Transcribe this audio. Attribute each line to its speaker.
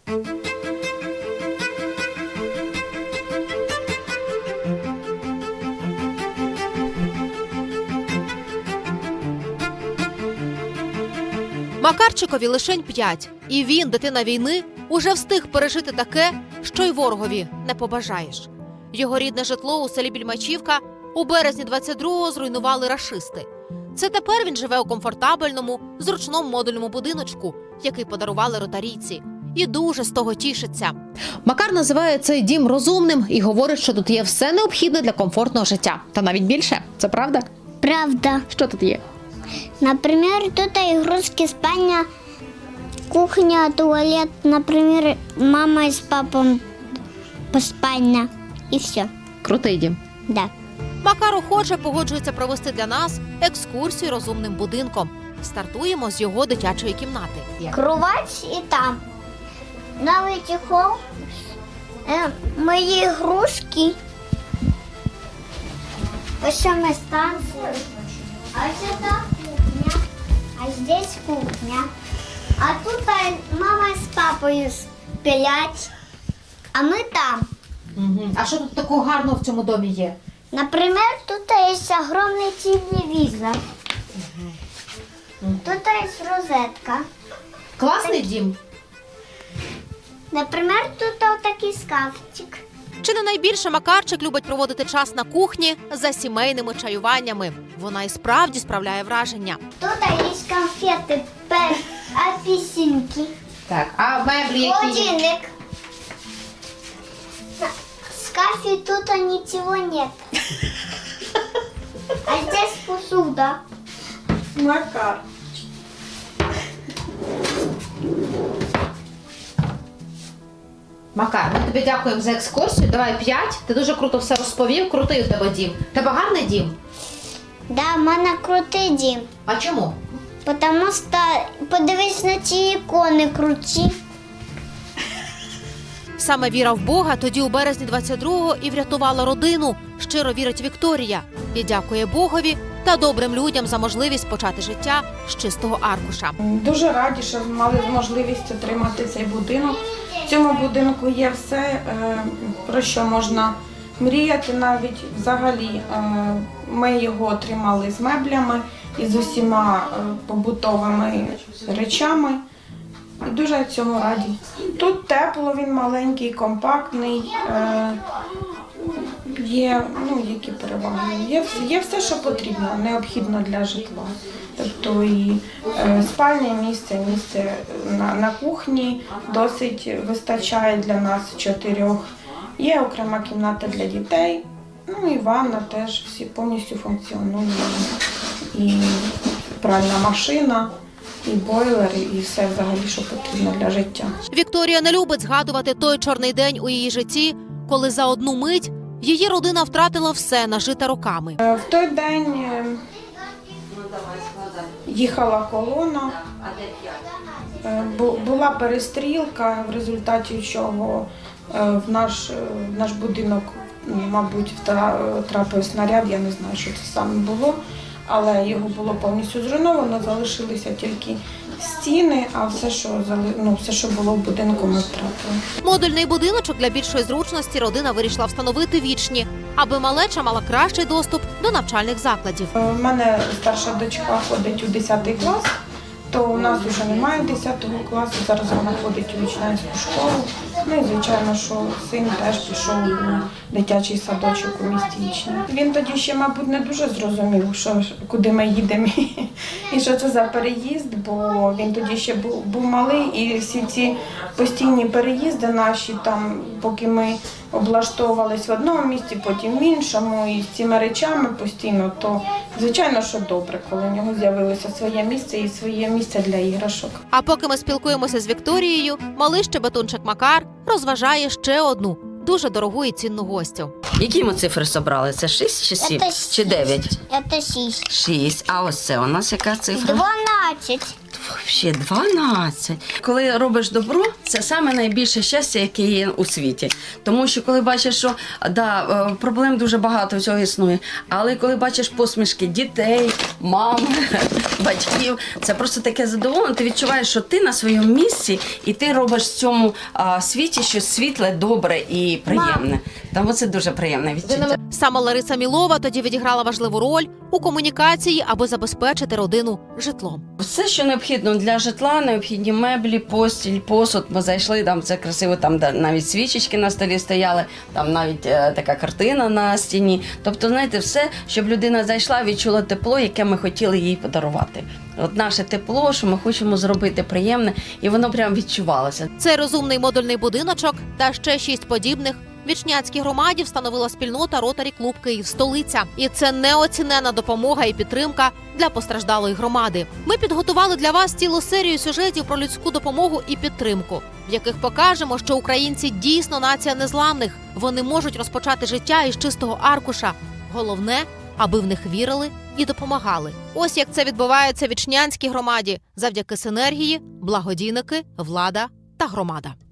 Speaker 1: Макарчикові лишень 5. І він, дитина війни, уже встиг пережити таке, що й ворогові не побажаєш. Його рідне житло у селі Більмачівка у березні 22-го зруйнували рашисти. Це тепер він живе у комфортабельному, зручному модульному будиночку, який подарували ротарійці. І дуже з того тішиться. Макар називає цей дім розумним і говорить, що тут є все необхідне для комфортного життя. Та навіть більше. Це правда?
Speaker 2: Правда.
Speaker 1: Що тут є?
Speaker 2: Например, тут игрушки, спальня, кухня, туалет. Например, мама с папой по спальня. И все.
Speaker 1: Крутий дім.
Speaker 2: Да.
Speaker 1: Макар охоче погоджується провести для нас екскурсію розумним будинком. Стартуємо з його дитячої кімнати.
Speaker 2: Кровать и там. Новый чехол. Мои игрушки. Пошёмная станция. А сюда кухня. А здесь кухня. А тут мама с папой спят. А мы там.
Speaker 1: А що тут такого гарного в цьому домі є?
Speaker 2: Например, тут есть огромный телевизор. Тут есть розетка.
Speaker 1: Класний дім.
Speaker 2: Например, тут вот такой шкафчик.
Speaker 1: Чи не найбільше Макарчик любить проводити час на кухні за сімейними чаюваннями. Вона і справді справляє враження.
Speaker 2: Тут есть конфеты, апельсинки,
Speaker 1: Так, а меблі
Speaker 2: холодильник. В шкафе тут ничего нет. А здесь посуда.
Speaker 3: Макар.
Speaker 1: Макар, ми тобі дякуємо за екскурсію. Давай 5. Ти дуже круто все розповів. Крутий у тебе дім. Тебе гарний дім?
Speaker 2: Да, у мене крутий дім.
Speaker 1: А чому?
Speaker 2: Потому что подивись на ці ікони круті.
Speaker 1: Саме віра в Бога тоді у березні 22-го і врятувала родину. Щиро вірить Вікторія. І дякує Богові та добрим людям за можливість почати життя з чистого аркуша.
Speaker 3: Дуже раді, що мали можливість отримати цей будинок. В цьому будинку є все, про що можна мріяти навіть. Взагалі, ми його отримали з меблями і з усіма побутовими речами. І дуже цьому раді. Тут тепло, він маленький, компактний. Є, які переваги. Є все, що потрібно, необхідно для житла. Тобто і спальне місце, місце на кухні досить вистачає для нас 4. Є окрема кімната для дітей, і ванна теж всі повністю функціонує. І пральна машина, і бойлер, і все взагалі, що потрібно для життя.
Speaker 1: Вікторія не любить згадувати той чорний день у її житті, коли за одну мить її родина втратила все нажите роками.
Speaker 3: В той день їхала колона, була перестрілка, в результаті чого в наш будинок, мабуть, трапив снаряд, я не знаю, що це саме було, але його було повністю зруйновано, залишилися тільки стіни, а все, що було в будинку, ми втратили.
Speaker 1: Модульний будиночок для більшої зручності родина вирішила встановити вічні, аби малеча мала кращий доступ до навчальних закладів.
Speaker 3: У мене старша дочка ходить у 10 клас, то у нас вже немає 10 класу, зараз вона ходить у вічнянську школу. І, звичайно, що син теж пішов у дитячий садочок у місті Ічні. Він тоді ще, мабуть, не дуже зрозумів, куди ми їдемо і що це за переїзд, бо він тоді ще був малий, і всі ці постійні переїзди наші, там, поки ми облаштовувались в одному місці, потім в іншому, і з цими речами постійно, то, звичайно, що добре, коли в нього з'явилося своє місце і своє місце для іграшок.
Speaker 1: А поки ми спілкуємося з Вікторією, малий щебетунчик Макар розважає ще одну дуже дорогу і цінну гостю.
Speaker 4: Які ми цифри собрали? Це 6 чи 7? Чи 9?
Speaker 2: Це 6.
Speaker 4: 6. А ось це у нас яка цифра?
Speaker 2: 12.
Speaker 4: Ще 12. Коли робиш добро, це саме найбільше щастя, яке є у світі. Тому що коли бачиш, що проблем дуже багато цього існує, але коли бачиш посмішки дітей, мам, батьків. Це просто таке задоволення. Ти відчуваєш, що ти на своєму місці, і ти робиш в цьому світі щось світле, добре і приємне. Тому це дуже приємне відчуття.
Speaker 1: Саме Лариса Мілова тоді відіграла важливу роль у комунікації, аби забезпечити родину житлом.
Speaker 4: Все, що необхідно для житла, необхідні меблі, постіль, посуд. Ми зайшли, там це красиво, там навіть свічечки на столі стояли, там навіть така картина на стіні. Тобто, знаєте, все, щоб людина зайшла, відчула тепло, яке ми хотіли їй подарувати. От наше тепло, що ми хочемо зробити приємне, і воно прям відчувалося.
Speaker 1: Цей розумний модульний будиночок та ще 6 подібних в Ічнянській громаді встановила спільнота Ротарі Клуб Київ-Столиця. І це неоцінена допомога і підтримка для постраждалої громади. Ми підготували для вас цілу серію сюжетів про людську допомогу і підтримку, в яких покажемо, що українці дійсно нація незламних. Вони можуть розпочати життя із чистого аркуша. Головне, аби в них вірили і допомагали. Ось як це відбувається в Ічнянській громаді завдяки синергії, благодійники, влада та громада.